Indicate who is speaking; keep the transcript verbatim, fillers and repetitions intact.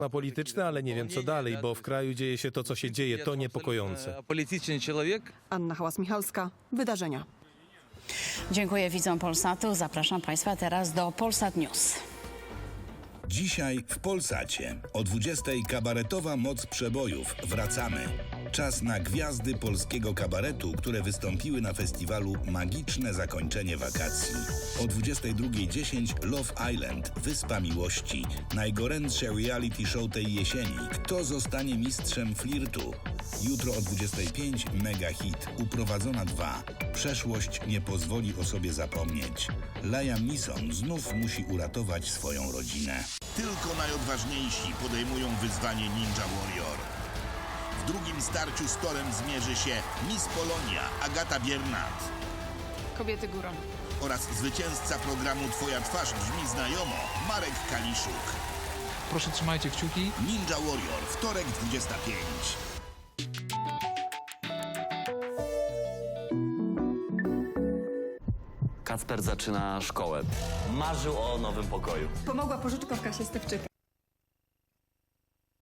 Speaker 1: Na polityczne, ale nie wiem co dalej, bo w kraju dzieje się to, co się dzieje, to niepokojące.
Speaker 2: Polityczny człowiek.
Speaker 3: Anna Hałas-Michalska, Wydarzenia.
Speaker 4: Dziękuję widzom Polsatu. Zapraszam Państwa teraz do Polsat News.
Speaker 5: Dzisiaj w Polsacie o dwudziestej kabaretowa moc przebojów. Wracamy. Czas na gwiazdy polskiego kabaretu, które wystąpiły na festiwalu Magiczne Zakończenie Wakacji. O dwudziestej drugiej dziesięć Love Island, Wyspa Miłości. Najgorętsze reality show tej jesieni. Kto zostanie mistrzem flirtu? Jutro o dwudziestej piątej mega hit Uprowadzona dwa. Przeszłość nie pozwoli o sobie zapomnieć. Liam Neeson znów musi uratować swoją rodzinę.
Speaker 6: Tylko najodważniejsi podejmują wyzwanie Ninja Warrior. W drugim starciu z torem zmierzy się Miss Polonia Agata Biernat
Speaker 3: Kobiety górą.
Speaker 6: oraz zwycięzca programu Twoja twarz brzmi znajomo Marek Kaliszuk.
Speaker 7: Proszę, trzymajcie kciuki.
Speaker 6: Ninja Warrior, wtorek dwudziesta piąta.
Speaker 8: Kacper zaczyna szkołę. Marzył o nowym pokoju.
Speaker 3: Pomogła pożyczka w kasie Stefczyka.